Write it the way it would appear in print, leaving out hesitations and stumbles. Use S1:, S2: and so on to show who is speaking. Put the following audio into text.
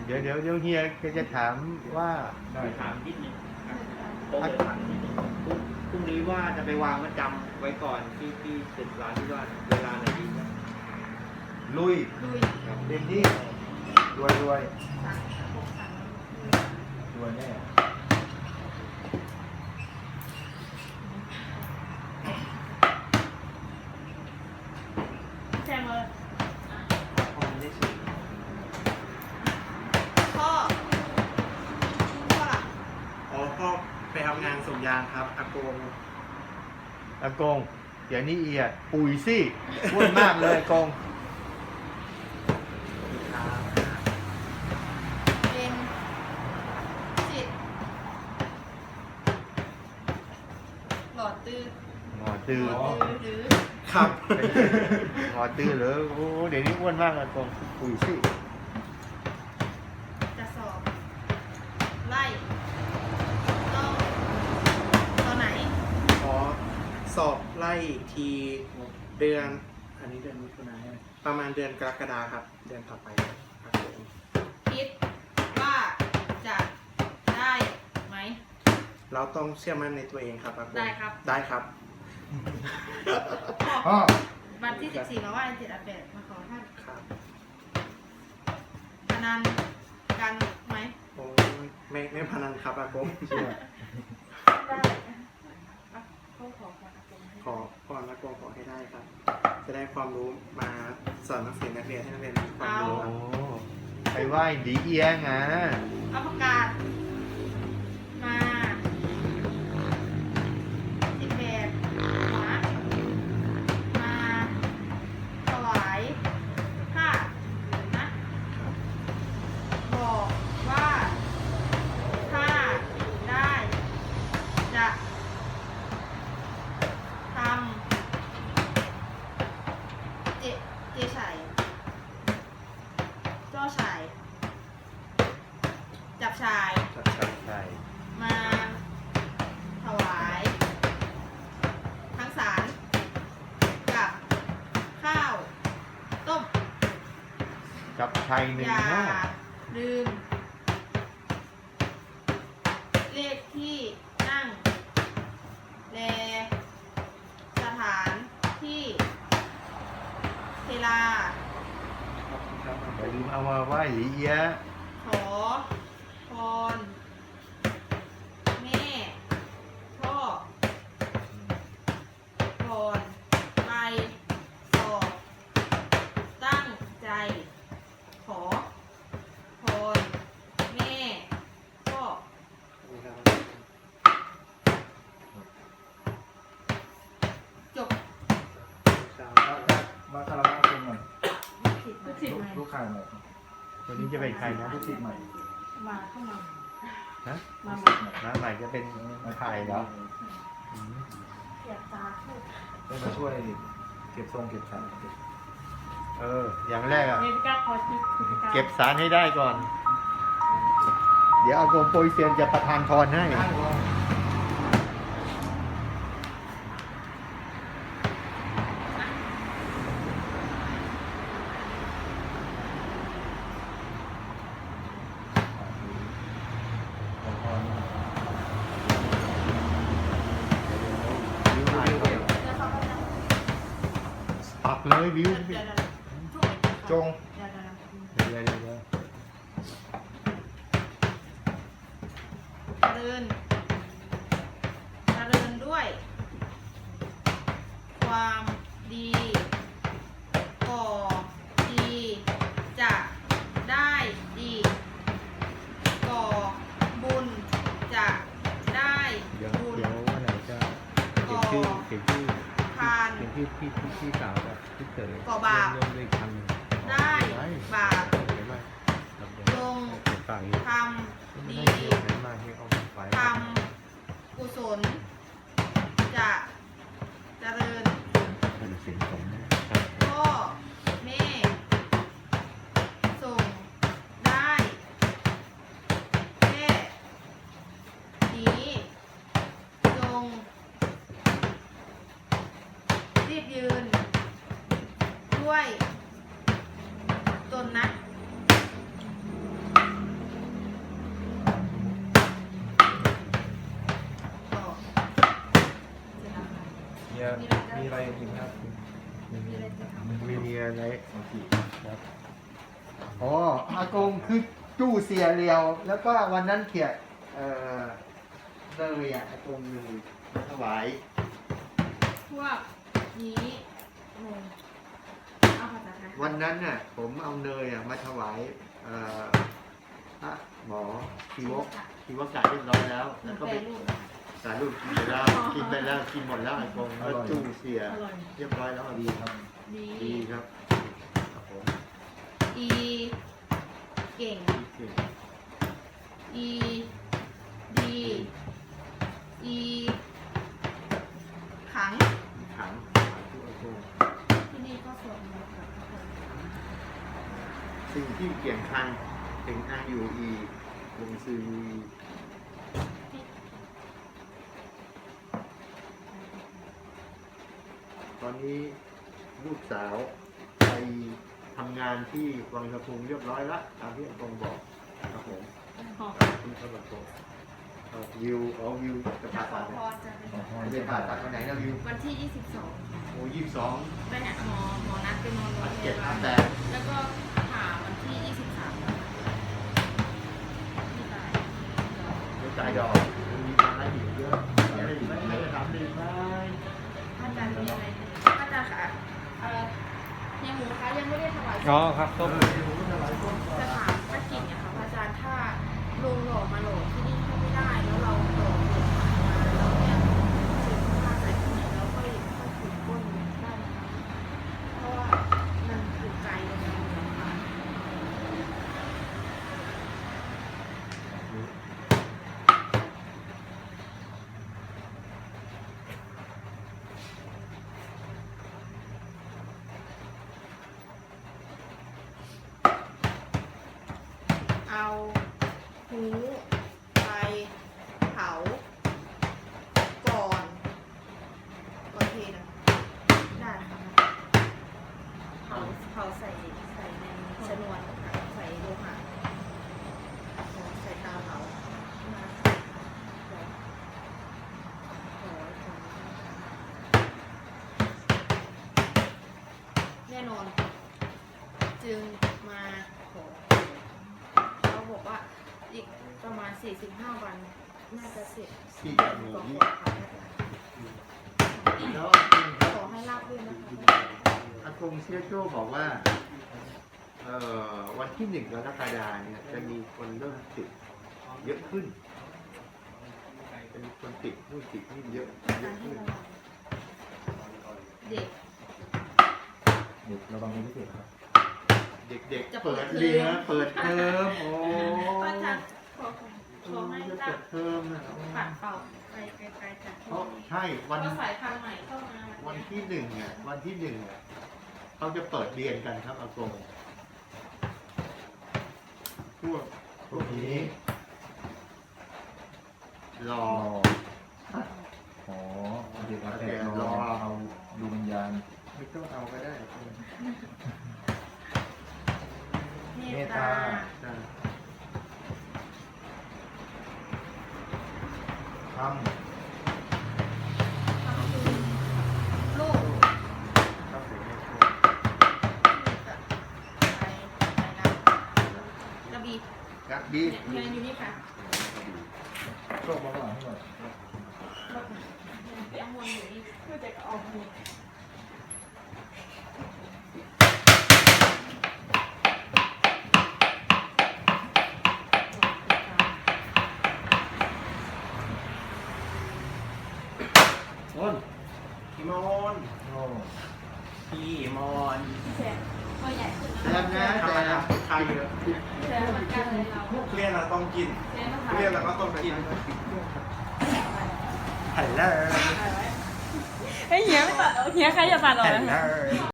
S1: เดี๋ยวเฮียจะถามว่า
S2: ถามนิดนึงโต๊ะถามนิดนึงพรุ่งนี้ว่าจะไปวางมัดจำไว้ก่อนที่ตึกร้านที่ว่าเวลาไหนดีครับ
S1: ลุยเต็มที่รวยแน่
S3: แซมเลย
S2: พอได้สูง
S3: พ่อล่ะ
S2: อ๋อพ่อไปทำงานส่งยางครับอากง
S1: อากงเดี๋ยวนี้เอียปุ๋ยสิพูดมากเลยอากง
S3: เป็นจิตหลอดตื้อ
S1: หงอตื้อ
S3: หรือ
S2: ครับ
S1: หงอตื้อเหรอโอ้เดี๋ยวนี้อ้วนมากอากงปุ๋ยสิ
S3: จะสอบไล่ต้องตอนไหน
S2: ขอสอบไล่ทีเดือน อันนี้เดือนมิถุนายนประมาณเดือนกรกฎาครับ เดือนต่อไปครับผม
S3: คิดว่าจะได้ไหม
S2: เราต้องเชื่อมั่นในตัวเองครับอากง
S3: ได้ครับ
S2: ได้ครับ
S1: อ๋อ
S3: วันที่ 14มาว่าจิตอาเปดมาขอท่าน
S2: ครับ
S3: พนันกันไหม
S2: โอ้ไม่พนันครับอากง
S3: ได้เขาขอความอากงให้
S2: ขอพรอากงขอให้ได้ครับ จะได้ความรู้มาสอนนักเรียนให้นักเรียนมีความรู้ค
S1: โอ้
S2: รับ
S1: ไปไหว้ดีเอียงอ่ะ
S3: เอาประกาศมา18หัวมาถวายผ้านะ บอกว่าถ้าได้จะทำเจชัยจ้อชาย จับชาย
S2: ครับใช่
S1: ใช่
S3: มาถวายทั้งสารกับข้าวต้ม
S1: กับชัยหนึ่
S3: อง ย่า
S1: ห้า
S3: ลืม เลขที่นั่งและสถานที่เวลา
S2: ครับ
S1: อย่าลืมเอามาไหว้ดีเอีย
S3: ขอพรแม่พ่อก่อนไปสอบตั้งใจขอพรแม่พ่อจบ
S4: มาคารวะเป็นหน่อย
S3: ลูกศิษย์ใหม่
S4: ลูกค้าหน่อย
S1: คนนี้จะเป็นใครนะ
S4: ลูกศิษย์ใหม่
S3: มาเข้ามา
S1: ฮะ
S3: มา
S4: ลูกศิษย์ใหม่
S1: มาใหม่จะเป็นใครเหรออืม
S3: อยากตาพูด
S4: ได้มาช่วยเก็บทรงเก็บสารเก็บ
S1: อย่างแรกอะ
S3: เมกาคอร์ส
S1: เก็บสารให้ได้ก่อน เดี๋ยวอากงโปรยเซียนจะประทานพรให้ ปักเลยวิว
S4: จง
S1: เดี๋ยว
S3: เจริญด้วย ความดีก่อดีจะได้ดีก่อบุญจะได้
S1: เดี๋ยว
S3: บุญ
S1: วันไหนจะเขียนชื่อ
S3: ทาน
S1: พี่สาวกับพี่เต๋อ
S3: ก่อบาป
S1: รวมด้วยคำหนึ่ง
S3: ได้บาป
S1: เห็นไหม
S3: ลง
S1: เขียนฝากอีก
S3: ท
S1: ไม่
S3: ำ
S1: ได้
S3: ดี
S1: เขียนเห็นมาที่เอาไว้
S3: ทำกุศลจะเจริญ
S1: เป็นสิ่งสม
S3: พ่อแม่ส่งได้แค่นี้จงรีบยืน ด้วยตนนะ
S4: อะไรอีกครับ
S3: มีอะไรจะทำ
S1: ไม่มีอะไร
S4: โอเคครับ
S1: อ๋ออากงคือจู้เสียเรียว แล้วก็วันนั้นเขียเลยอ่ะอากงเลยมาถวาย
S3: พวกนี้งงเอาภาษาไทย
S1: วันนั้นน่ะผมเอาเนยอ่ะมาถวายพระหมอชีวกกะเรียบร้อยแล้ว
S3: หนู
S1: แล้วก็
S3: แป
S1: ไป
S3: ลรูปนะคะ
S1: สารูปกินไปแล้วกินไปแล้วกินหมดแล้วอากงแล้วจู้เสีย
S3: อร่อย
S1: เรียบร้อยแล้ว
S4: ดีครับ
S3: ดี
S1: ดีครับครับผม
S3: อีเก่ง
S1: ดีเก่ง
S3: อีดีอีขัง
S1: ขังทุกอากง
S3: ที่นี่ก็สวดมนต์กับทุกคน
S1: สิ่งที่เกี่ยงคันถึงอายุอีวงซื้อมีตอนนี้ลูกสาวไปทำงานที่วังสะพุงเรียบร้อยแล้วตามที่อากงบอกครับผม
S3: ขอ
S1: คุณสวัสดิ์เอาวิวจะผ่า
S3: ขอ
S1: ตัด
S3: พรจะเป็น
S1: ไม่ได้ผ่าตัดวันไหนนะวิว
S3: วันที่ 22
S1: โอ้22
S3: ไปหาหมอนัดไปนอนโรง
S1: อัน
S3: พ
S1: เจ็ด
S3: ยา
S1: อั
S3: บาน ล
S1: แต่
S3: แล้วก็ผ่าวันที่ 23ที่ตาย
S1: เดี๋ยวจ่ายดอกมีมาให้อีกเยอะมีอะไรอีกไหมมีอะไรถามดีไหม
S3: พระอาจารย์มีอะไรพระอาจารย์ค่ะเนี่ยหมูคะยังไม่ได้ถวาย
S4: อ๋อครับต้ม
S1: ผมก็ถวายต้นก่อน
S3: จะถามพระกิ่งเนี่ยค่ะพระอาจารย์ถ้าลงหล่อมาหล่อที่นี่เข้าไม่ได้ แล้วเราหล่อเกินมาแล้วเนี่ยถึงมาใส่ที่ไหนแล้วค่อยถึงก้นได้ไหมคะเพราะว่ามันอยู่ไกลเลยนะค่ะ เอาหูไปเผาก่อนเทนะได้ค่ะเผาใส่ในชนวนค่ะใส่โลหะใส่ตาเผาแน่นอน จึงมาขอ เขาบอกว่าอีกประมาณ 45 วัน น่าจะเสร็จ
S1: ที่
S3: ข
S1: จะ
S3: อ
S1: มี
S3: ขอ
S1: นี้
S3: ค่ะ
S1: แล้ว
S3: ขอให้รับด้วยนะคะ
S1: อากงเซียโจ้บอกว่าวันที่1 กรกฎาคมเนี่ยจะมีคนเริ่มติดเยอะขึ้นจะมีคนติดนู่นติดนี่เยอะ
S3: การให้
S1: ขึ้น
S3: ระวังเด็ก
S4: เด็กระวังเป็นพิเศษครับ
S1: เด็กๆเปิดเรียนเปิดเทอมโอ้
S3: ก็จะขอให้
S1: จะ
S3: รั
S1: เปิ
S3: บ
S1: ดเทอมนะ
S3: ปัดเป่าไปไกลๆจาก
S1: เพราะใช่วัน
S3: ก็สายพันธุ์ใหม่เข้ามา
S1: วันที่1เนี่ยวันที่1เนี่ยเขาจะเปิดเรียนกันครับอากงพวกนี้รอ
S4: อ๋อเด็กแต่รอเอาดูวิญญาณ
S1: ไม่ต้องเอาก็ได้
S3: เมตตา
S1: ใช่
S4: ท
S3: ทำคือลูก
S1: ครับผม
S3: ไปกระบี่
S1: ครับบี
S3: เงินอยู่นี่ค่ะ
S4: ำโชคมาข้างหลังให้หน่อย
S3: ไปเอาวนอยู่นี่เพื่อจะออกหมด
S1: อ้น
S2: พี่มน
S4: โอ้
S2: พี่มน
S3: แสนตัวใหญ่ขึ้น
S1: แซมนะ
S2: ธรรมดา
S1: แต่
S2: ไทยเหรอ
S3: แสนเหมือนกันเลยเรา
S2: เรียนเราต้องกิน
S3: แสนนะคะ
S2: เรียนเราก็ต้องกิน
S1: ไผ่แล้ว
S3: เฮ้ยเฮียไม่ตัดเฮียใครจะตัดออก
S1: ไผ่
S3: นะ
S1: แล้ว